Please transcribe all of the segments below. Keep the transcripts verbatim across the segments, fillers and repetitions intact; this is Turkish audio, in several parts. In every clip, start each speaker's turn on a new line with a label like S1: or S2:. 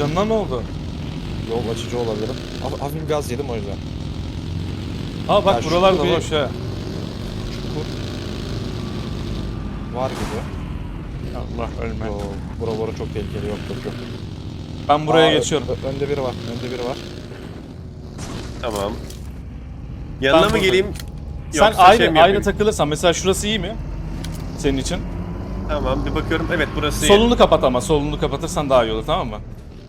S1: canına ne oldu?
S2: Yol açıcı olabilirim. Haf- Hafif gaz yedim o yüzden.
S1: Ha bak
S2: Ya şu
S1: buralar da
S2: bir-
S1: boş ha.
S2: Çukur. Var gibi.
S1: Allah ölme.
S2: Yo, bura bura çok tehlikeli, yok yok yok.
S1: Ben buraya
S2: Aa,
S1: geçiyorum.
S2: ö- önde biri var, önde biri var.
S3: Tamam. Yanına mı
S1: buradayım.
S3: geleyim?
S1: Sen
S3: Yoksa
S1: aynı
S3: şey mi
S1: aynı
S3: yapayım?
S1: takılırsan mesela şurası iyi mi? Senin için.
S3: Tamam bir bakıyorum. Evet burası iyi.
S1: Solunu kapat ama solunu kapatırsan daha iyi olur, tamam mı?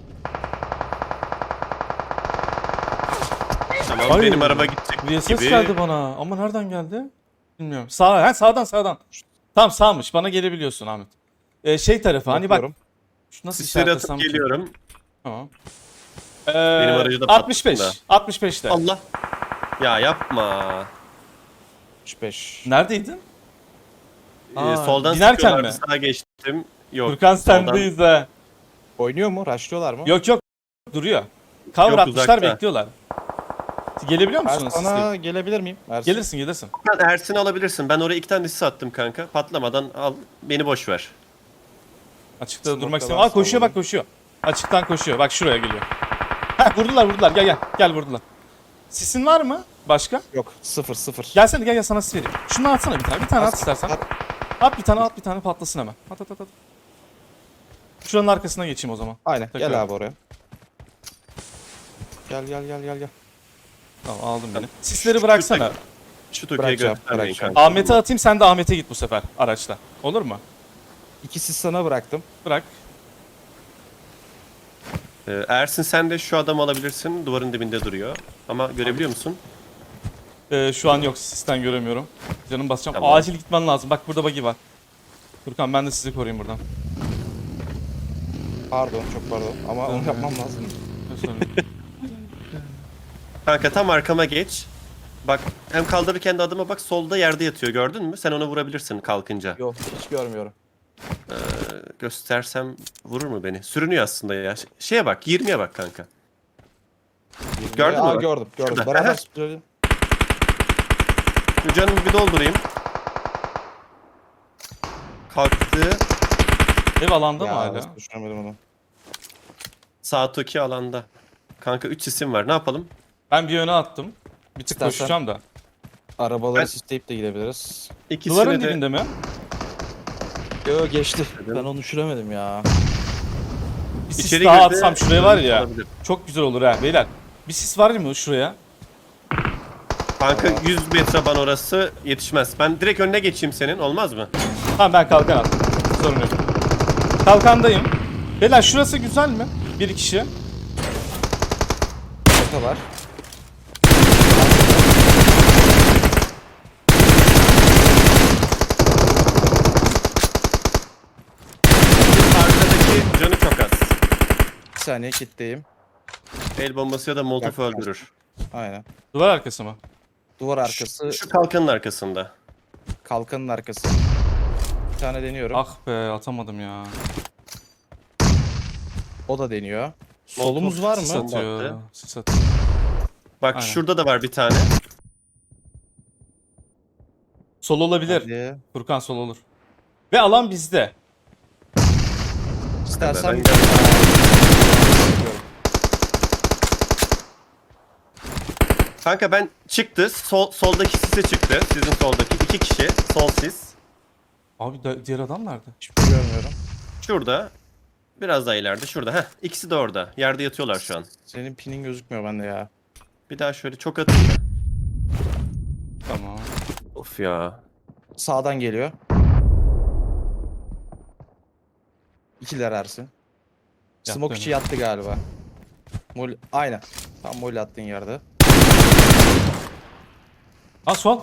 S3: Tamam
S1: Ay,
S3: benim araba gidecek
S1: Bir ses
S3: gibi.
S1: geldi bana ama nereden geldi? Bilmiyorum. Sağ, ha, sağdan sağdan. Tamam sağmış, bana gelebiliyorsun Ahmet. Ee, şey tarafı hani bak.
S2: Bakıyorum.
S1: Şu nasıl
S3: Sisleri
S1: işaretlesem
S3: atıp
S1: ki?
S3: geliyorum.
S1: Tamam. Ee,
S3: Benim aracı da
S1: altmış beş.
S3: patladı.
S1: altmış beşte.
S3: Allah. Ya yapma.
S2: altmış beş.
S1: Neredeydin?
S3: Ee,
S1: Aa,
S3: soldan
S1: binerken
S3: sıkıyorlardı,
S1: mi?
S3: sağa geçtim. Yok.
S1: Furkan
S3: soldan-
S1: sendeyiz ha.
S2: Oynuyor mu? Rushlıyorlar mı?
S1: Yok yok. Duruyor. Cover
S3: Yok,
S1: atmışlar,
S3: uzakta.
S1: bekliyorlar. Gelebiliyor
S2: Ben
S1: musunuz siz?
S2: sana gelebilir miyim? Ersin.
S1: Gelirsin gelirsin.
S3: Sen Ersin'i alabilirsin. Ben oraya iki tane sis attım kanka. Patlamadan al. Beni boş ver.
S1: Açıkta
S2: Smoke'da
S1: durmak istemiyorum.
S2: ben
S1: Aa koşuyor bak
S2: salladım.
S1: koşuyor. Açıktan koşuyor. Bak şuraya geliyor. Ha vurdular vurdular. Gel gel. Gel vurdular. Sisin var mı? Başka?
S2: Yok, sıfır sıfır.
S1: Gelsene gel gel sana sis vereyim. Şunu atsana bir tane. Bir tane at
S2: At,
S1: istersen.
S2: at.
S1: At bir tane at bir tane patlasın hemen. At at at at. Şuranın arkasına geçeyim o zaman.
S2: Aynen,
S1: Tekrar.
S2: gel abi oraya. Gel gel gel gel gel.
S1: Tamam aldım beni. Sisleri bıraksana.
S3: Şu Türkiye'yi
S2: Bırakacağım,
S3: göstermeyin
S2: bırakacağım.
S3: kanka.
S1: Ahmet'e atayım, sen de Ahmet'e git bu sefer araçla. Olur mu?
S2: İkisi sana bıraktım.
S1: Bırak.
S3: Ee, Ersin sen de şu adamı alabilirsin. Duvarın dibinde duruyor. Ama görebiliyor musun?
S1: Ee, şu an yok, sisten göremiyorum. Canım basacağım.
S3: Tamam.
S1: Acil gitmen lazım. Bak burada buggy var. Furkan ben de sizi koruyayım buradan.
S2: Pardon, çok pardon. Ama onu yapmam lazım.
S3: Kanka tam arkama geç. Bak hem kaldırırken de adıma bak, solda yerde yatıyor, gördün mü? Sen ona vurabilirsin kalkınca.
S2: Yok, hiç görmüyorum.
S3: Ee, göstersem vurur mu beni? Sürünüyor aslında ya. Ş- Şeye bak, yirmiye bak kanka. Gördün mü
S2: Aa,
S3: bak?
S2: gördüm, gördüm.
S3: Şurada.
S2: Beraber
S3: Aha.
S2: sürelim.
S3: Şu canımı bir doldurayım. Kalktı.
S1: Ev alanda mı
S2: Ya,
S1: hala?
S2: nasıl düşünemedim onu.
S3: Sağ toki alanda. Kanka üç isim var. Ne yapalım?
S1: Ben bir yöne attım. Bir tık
S2: İstersen-
S1: koşacağım da.
S2: Arabaları
S3: Ben-
S2: sisleyip de gidebiliriz.
S3: İkisini
S1: Duvarın
S3: de...
S1: dibinde mi?
S2: Yo, geçti.
S3: Dedim.
S2: Ben onu düşüremedim ya.
S1: Bir sis
S3: İçeri
S1: daha
S3: girdi,
S1: atsam şuraya var ya.
S3: olabilir.
S1: Çok güzel olur ha beyler. Bir sis var mı şuraya?
S3: Kanka yüz metre ban orası yetişmez. Ben direkt önüne geçeyim senin. Olmaz mı?
S1: Tamam ben kalkan attım. Sorun yok. Kalkandayım. Beyler şurası güzel mi? Bir kişi.
S2: Şaka var.
S3: Arkadaki canı çok az.
S2: Bir saniye kitleyim.
S3: El bombası ya da molotof
S2: Yak-
S3: öldürür.
S2: Aynen.
S1: Duvar arkası mı?
S2: Duvar arkası,
S3: Şu kalkanın arkasında.
S2: kalkanın arkası. Bir tane deniyorum.
S1: Ah be atamadım ya.
S2: O da deniyor. Solumuz var
S1: Sis
S2: mı?
S3: Bomba
S1: atıyor.
S3: attı.
S1: Sis atıyor.
S3: Bak
S1: Aynen.
S3: şurada da var bir tane.
S1: Sol olabilir.
S2: Hadi.
S1: Furkan sol olur. Ve alan bizde.
S2: İstersen
S3: Ben
S2: bir
S3: Kanka ben çıktı. Sol, soldaki sise çıktı. Sizin soldaki. iki kişi. Sol sis.
S1: Abi da- diğer adam nerede?
S2: hiçbir şey görmüyorum.
S3: Şurada. Biraz daha ileride. Şurada. Heh. İkisi de orada. Yerde yatıyorlar şu an.
S2: Senin pinin gözükmüyor bende ya.
S3: Bir daha şöyle çok atayım da.
S1: Tamam.
S3: Of ya.
S2: Sağdan geliyor. İkiler Ersin. Smoke içi yattı galiba. Mol aynen. Tam mol attığın yerde.
S1: Ha sol.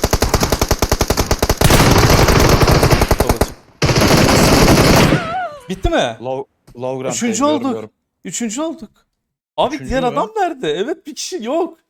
S1: Sol açık. Bitti mi?
S2: Low, low ground
S1: Üçüncü
S2: diyorum,
S1: olduk.
S2: diyorum.
S1: Üçüncü olduk. Abi
S2: Üçüncü
S1: diğer
S2: mü?
S1: adam nerede? Evet bir kişi yok.